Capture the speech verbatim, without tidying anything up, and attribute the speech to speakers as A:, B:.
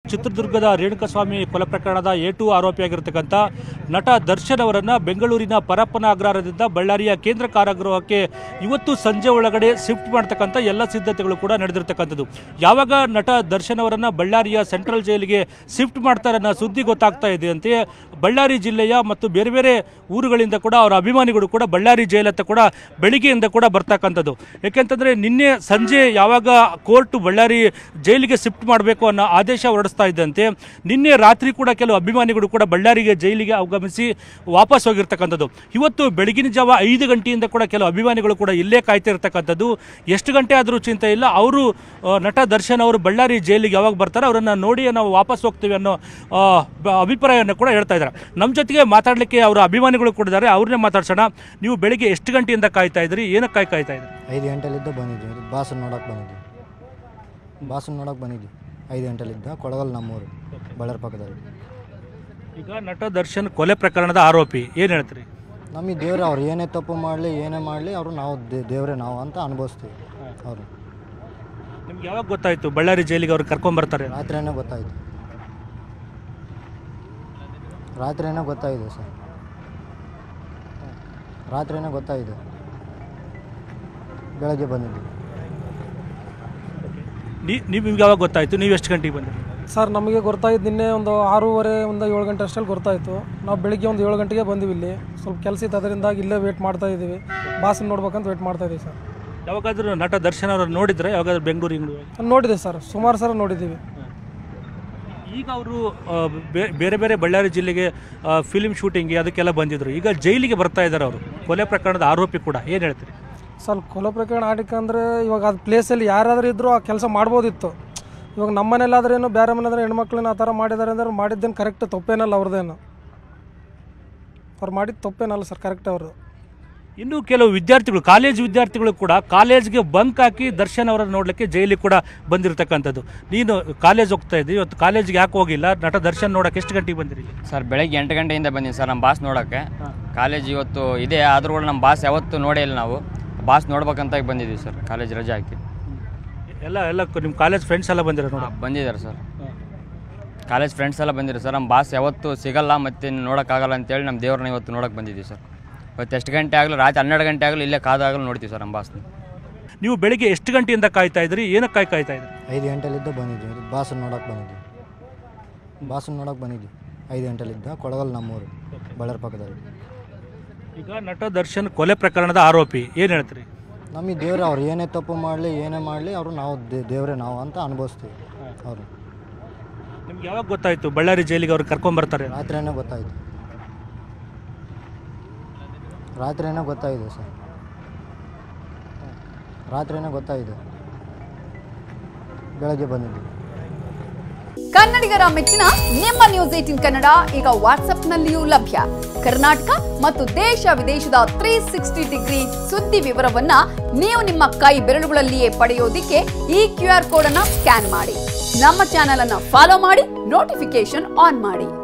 A: ಚಿತ್ರದುರ್ಗದ ರೇಣುಕಸ್ವಾಮಿ ಕೊಲೆ ಪ್ರಕರಣದ ಎ ಟು ಆರೋಪಿಯಾಗಿರ್ತಕ್ಕಂಥ ನಟ ದರ್ಶನ್ ಅವರನ್ನು ಬೆಂಗಳೂರಿನ ಪರಪ್ಪನ ಅಗ್ರಹಾರದಿಂದ ಬಳ್ಳಾರಿಯ ಕೇಂದ್ರ ಕಾರಾಗೃಹಕ್ಕೆ ಇವತ್ತು ಸಂಜೆ ಒಳಗಡೆ ಶಿಫ್ಟ್ ಮಾಡ್ತಕ್ಕಂಥ ಎಲ್ಲ ಸಿದ್ಧತೆಗಳು ಕೂಡ ನಡೆದಿರ್ತಕ್ಕಂಥದ್ದು. ಯಾವಾಗ ನಟ ದರ್ಶನ್ ಅವರನ್ನು ಬಳ್ಳಾರಿಯ ಸೆಂಟ್ರಲ್ ಜೈಲಿಗೆ ಶಿಫ್ಟ್ ಮಾಡ್ತಾರೆ ಅನ್ನೋ ಸುದ್ದಿ ಗೊತ್ತಾಗ್ತಾ ಇದೆ ಅಂತೆ ಬಳ್ಳಾರಿ ಜಿಲ್ಲೆಯ ಮತ್ತು ಬೇರೆ ಬೇರೆ ಊರುಗಳಿಂದ ಕೂಡ ಅವರ ಅಭಿಮಾನಿಗಳು ಕೂಡ ಬಳ್ಳಾರಿ ಜೈಲತ್ತ ಕೂಡ ಬೆಳಿಗ್ಗೆಯಿಂದ ಕೂಡ ಬರ್ತಕ್ಕಂಥದ್ದು. ಯಾಕೆಂತಂದರೆ ನಿನ್ನೆ ಸಂಜೆ ಯಾವಾಗ ಕೋರ್ಟ್ ಬಳ್ಳಾರಿ ಜೈಲಿಗೆ ಶಿಫ್ಟ್ ಮಾಡಬೇಕು ಅನ್ನೋ ಆದೇಶ ಹೊರಡಿಸ್ತಾ ಇದ್ದಂತೆ ನಿನ್ನೆ ರಾತ್ರಿ ಕೂಡ ಕೆಲವು ಅಭಿಮಾನಿಗಳು ಕೂಡ ಬಳ್ಳಾರಿಗೆ ಜೈಲಿಗೆ ಆಗಮಿಸಿ ವಾಪಸ್ ಹೋಗಿರ್ತಕ್ಕಂಥದ್ದು. ಇವತ್ತು ಬೆಳಗಿನ ಜಾವ ಐದು ಗಂಟೆಯಿಂದ ಕೂಡ ಕೆಲವು ಅಭಿಮಾನಿಗಳು ಕೂಡ ಇಲ್ಲೇ ಕಾಯ್ತಾ ಇರ್ತಕ್ಕಂಥದ್ದು. ಎಷ್ಟು ಗಂಟೆ ಆದರೂ ಚಿಂತೆ ಇಲ್ಲ, ಅವರು ನಟ ದರ್ಶನ್ ಅವರು ಬಳ್ಳಾರಿ ಜೈಲಿಗೆ ಯಾವಾಗ ಬರ್ತಾರೆ ಅವರನ್ನು ನೋಡಿ ನಾವು ವಾಪಸ್ ಹೋಗ್ತೀವಿ ಅನ್ನೋ ಅಭಿಪ್ರಾಯವನ್ನು ಕೂಡ ಹೇಳ್ತಾ ಇದ್ದಾರೆ. ನಮ್ಮ ಜೊತೆಗೆ ಮಾತಾಡಲಿಕ್ಕೆ ಅವರ ಅಭಿಮಾನಿಗಳು ಕೂಡ ಇದ್ದಾರೆ, ಅವ್ರನ್ನೇ ಮಾತಾಡ್ಸೋಣ. ನೀವು ಬೆಳಿಗ್ಗೆ ಎಷ್ಟು ಗಂಟೆಯಿಂದ ಕಾಯ್ತಾ ಇದ್ರಿ, ಏನಕ್ಕೆ ಕಾಯ್ ಕಾಯ್ತಾ ಇದ್ರಿ?
B: ಐದು ಗಂಟೆಲಿದ್ದ ಬಂದಿದ್ವಿ, ಬಾಸನ್ ನೋಡೋಕೆ ಬಂದಿದ್ವಿ ಬಾಸನ್ ನೋಡೋಕೆ ಬಂದಿದ್ವಿ ಐದು ಗಂಟೆಲಿದ್ದ ಕೊಳಗಲ್ ನಮ್ಮೂರು ಬಳ್ಳಾರಿ ಪಕ್ಕದಲ್ಲಿ.
A: ಈಗ ನಟ ದರ್ಶನ್ ಕೊಲೆ ಪ್ರಕರಣದ ಆರೋಪಿ ಏನು ಹೇಳ್ತೀರಿ?
B: ನಮಗೆ ದೇವ್ರೆ ಅವ್ರು ಏನೇ ತಪ್ಪು ಮಾಡಲಿ ಏನೇ ಮಾಡಲಿ ಅವರು ನಾವು ದೇವ್ರೆ ನಾವು ಅಂತ ಅನುಭವಿಸ್ತೀವಿ. ಅವರು
A: ನಿಮ್ಗೆ ಯಾವಾಗ ಗೊತ್ತಾಯಿತು ಬಳ್ಳಾರಿ ಜೈಲಿಗೆ ಅವ್ರು ಕರ್ಕೊಂಬರ್ತಾರೆ?
B: ರಾತ್ರಿಯೇ ಗೊತ್ತಾಯಿತು ರಾತ್ರಿಯೇ ಗೊತ್ತಾಯಿದೆ ಸರ್ ರಾತ್ರಿಯೇ ಗೊತ್ತಾಯಿದೆ ಬೆಳಗ್ಗೆ ಬಂದಿದ್ವಿ.
A: ನೀವು ನಿಮ್ಗೆ ಯಾವಾಗ ಗೊತ್ತಾಯಿತು? ನೀವು ಎಷ್ಟು ಗಂಟೆಗೆ ಬಂದಿರಿ?
C: ಸರ್ ನಮಗೆ ಗೊತ್ತಾಯಿತು ನಿನ್ನೆ ಒಂದು ಆರೂವರೆ ಒಂದು ಏಳು ಗಂಟೆ ಅಷ್ಟರಲ್ಲಿ ಗೊತ್ತಾಯಿತು. ನಾವು ಬೆಳಿಗ್ಗೆ ಒಂದು ಏಳು ಗಂಟೆಗೆ ಬಂದಿವಿ. ಇಲ್ಲಿ ಸ್ವಲ್ಪ ಕೆಲಸ ಇತ್ತು, ಅದರಿಂದಾಗಿ ಇಲ್ಲೇ ವೇಟ್ ಮಾಡ್ತಾ ಇದ್ದೀವಿ. ಬಾಸನ್ನು ನೋಡ್ಬೇಕಂತ ವೇಟ್ ಮಾಡ್ತಾ ಇದ್ದೀವಿ ಸರ್.
A: ಯಾವಾಗಾದ್ರೂ ನಟ ದರ್ಶನ್ ಅವರು ನೋಡಿದ್ರೆ ಯಾವಾಗಾದ್ರೂ ಬೆಂಗಳೂರಿಗೆ?
C: ನೋಡಿದೆ ಸರ್, ಸುಮಾರು ಸಲ ನೋಡಿದ್ದೀವಿ.
A: ಈಗ ಅವರು ಬೇರೆ ಬೇರೆ ಬಳ್ಳಾರಿ ಜಿಲ್ಲೆಗೆ ಫಿಲ್ಮ್ ಶೂಟಿಂಗ್ಗೆ ಅದಕ್ಕೆಲ್ಲ ಬಂದಿದ್ರು, ಈಗ ಜೈಲಿಗೆ ಬರ್ತಾ ಇದ್ದಾರೆ ಅವರು, ಕೊಲೆ ಪ್ರಕರಣದ ಆರೋಪಿ ಕೂಡ. ಏನು ಹೇಳ್ತೀರಿ?
C: ಸರ್ ಕೊಲೆ ಪ್ರಕರಣ ಆಡಿಕಂದ್ರೆ ಇವಾಗ ಅದು ಪ್ಲೇಸಲ್ಲಿ ಯಾರಾದರೂ ಇದ್ದರೂ ಆ ಕೆಲಸ ಮಾಡ್ಬೋದಿತ್ತು. ಇವಾಗ ನಮ್ಮ ಮನೇಲಾದ್ರೇನು ಬೇರೆ ಮನೇಲಾದ್ರೆ ಹೆಣ್ಮಕ್ಳನ್ನ ಆ ಥರ ಮಾಡಿದ್ದಾರೆ ಅಂದ್ರೆ ಮಾಡಿದ್ದೇನು ಕರೆಕ್ಟ್, ತಪ್ಪೇನಲ್ಲ ಅವ್ರದ್ದೇನು, ಅವ್ರು ಮಾಡಿದ್ದು ತಪ್ಪೇನಲ್ಲ ಸರ್, ಕರೆಕ್ಟ್ ಅವ್ರದ್ದು.
A: ಇನ್ನು ಕೆಲವು ವಿದ್ಯಾರ್ಥಿಗಳು, ಕಾಲೇಜ್ ವಿದ್ಯಾರ್ಥಿಗಳು ಕೂಡ ಕಾಲೇಜ್ಗೆ ಬಂಕ್ ಹಾಕಿ ದರ್ಶನ್ ಅವರನ್ನು ನೋಡಲಿಕ್ಕೆ ಜೈಲಿಗೆ ಕೂಡ ಬಂದಿರತಕ್ಕಂಥದ್ದು. ನೀನು ಕಾಲೇಜ್ ಹೋಗ್ತಾ ಇದ್ದೀವಿ, ಇವತ್ತು ಕಾಲೇಜ್ಗೆ ಯಾಕೆ ಹೋಗಿಲ್ಲ? ನಟ ದರ್ಶನ್ ನೋಡೋಕೆ ಎಷ್ಟು ಗಂಟೆಗೆ ಬಂದಿರಿ?
D: ಸರ್ ಬೆಳಗ್ಗೆ ಎಂಟು ಗಂಟೆಯಿಂದ ಬಂದೀನಿ ಸರ್ ನಮ್ಮ ಬಾಸ್ ನೋಡೋಕ್ಕೆ. ಕಾಲೇಜ್ ಇವತ್ತು ಇದೆ, ಆದರೂ ಕೂಡ ನಮ್ಮ ಬಾಸ್ ಯಾವತ್ತೂ ನೋಡೇ ಇಲ್ಲ. ನಾವು ಬಾಸ್ ನೋಡ್ಬೇಕಂತ ಬಂದಿದ್ದೀವಿ ಸರ್, ಕಾಲೇಜ್ ರಜೆ ಹಾಕಿ.
A: ಎಲ್ಲ ಎಲ್ಲ ನಿಮ್ಮ ಕಾಲೇಜ್ ಫ್ರೆಂಡ್ಸ್ ಎಲ್ಲ ಬಂದಿರೋ?
D: ಬಂದಿದ್ದಾರೆ ಸರ್, ಕಾಲೇಜ್ ಫ್ರೆಂಡ್ಸ್ ಎಲ್ಲ ಬಂದಿದ್ದಾರೆ ಸರ್. ನಮ್ಮ ಬಾಸ್ ಯಾವತ್ತೂ ಸಿಗಲ್ಲ ಮತ್ತು ನೋಡೋಕ್ಕಾಗಲ್ಲ ಅಂತೇಳಿ ನಮ್ಮ ದೇವ್ರನ್ನ ಇವತ್ತು ನೋಡೋಕೆ ಬಂದಿದ್ದೀವಿ ಸರ್. ಇವತ್ತು ಎಷ್ಟು ಗಂಟೆ ಆಗಲಿ, ರಾತ್ರಿ ಹನ್ನೆರಡು ಗಂಟೆ ಆಗಲಿ ಇಲ್ಲೇ ಕಾದಾಗಲೂ ನೋಡ್ತೀವಿ ಸರ್ ನಮ್ಮ ಬಾಸ್ನ.
A: ನೀವು ಬೆಳಿಗ್ಗೆ ಎಷ್ಟು ಗಂಟೆಯಿಂದ ಕಾಯ್ತಾ ಇದ್ರಿ, ಏನಕ್ಕೆ ಕಾಯ್ ಕಾಯ್ತಾ ಇದ್ರಿ?
B: ಐದು ಗಂಟೆಲಿದ್ದ ಬಂದಿದ್ವಿ, ಬಾಸನ್ ನೋಡೋಕೆ ಬಂದಿದ್ವಿ ಬಾಸನ್ ನೋಡೋಕೆ ಬಂದಿದ್ವಿ ಐದು ಗಂಟೆಲಿದ್ದ ಕೊಳಗಲ್ ನಮ್ಮೂರು ಬಳ್ಳಾರಿ ಪಕ್ಕದಲ್ಲಿ.
A: ಈಗ ನಟ ದರ್ಶನ್ ಕೊಲೆ ಪ್ರಕರಣದ ಆರೋಪಿ, ಏನು ಹೇಳ್ತೀರಿ?
B: ನಮಗೆ ದೇವ್ರೆ ಅವ್ರು ಏನೇ ತಪ್ಪು ಮಾಡಲಿ ಏನೇ ಮಾಡಲಿ ಅವರು ನಾವು ದೇವ್ರೆ ನಾವು ಅಂತ ಅನುಭವಿಸ್ತೀವಿ. ಅವರು
A: ನಿಮ್ಗೆ ಯಾವಾಗ ಗೊತ್ತಾಯಿತು ಬಳ್ಳಾರಿ ಜೈಲಿಗೆ ಅವ್ರು ಕರ್ಕೊಂಬರ್ತಾರೆ?
B: ರಾತ್ರಿಯೇ ಗೊತ್ತಾಯಿತು ರಾತ್ರಿಯೇ ಗೊತ್ತಾಯಿದೆ ಸರ್ ರಾತ್ರಿಯೇ ಗೊತ್ತಾಯಿದೆ ಬೆಳಗ್ಗೆ ಬಂದಿದ್ವಿ.
E: ಕನ್ನಡಿಗರ ಮೆಚ್ಚಿನ ನಿಮ್ಮ ನ್ಯೂಸ್ ಏಟೀನ್ ಕನ್ನಡ ಈಗ ವಾಟ್ಸ್ಆಪ್ನಲ್ಲಿಯೂ ಲಭ್ಯ. ಕರ್ನಾಟಕ ಮತ್ತು ದೇಶ ವಿದೇಶದ ತ್ರೀ ಸಿಕ್ಸ್ಟಿ ಡಿಗ್ರಿ ಸುದ್ದಿ ವಿವರವನ್ನ ನೀವು ನಿಮ್ಮ ಕೈ ಬೆರಳುಗಳಲ್ಲಿಯೇ ಪಡೆಯೋದಿಕ್ಕೆ ಈ ಕ್ಯೂ ಆರ್ ಕೋಡ್ ಅನ್ನ ಸ್ಕ್ಯಾನ್ ಮಾಡಿ. ನಮ್ಮ ಚಾನೆಲ್ ಅನ್ನ ಫಾಲೋ ಮಾಡಿ, ನೋಟಿಫಿಕೇಶನ್ ಆನ್ ಮಾಡಿ.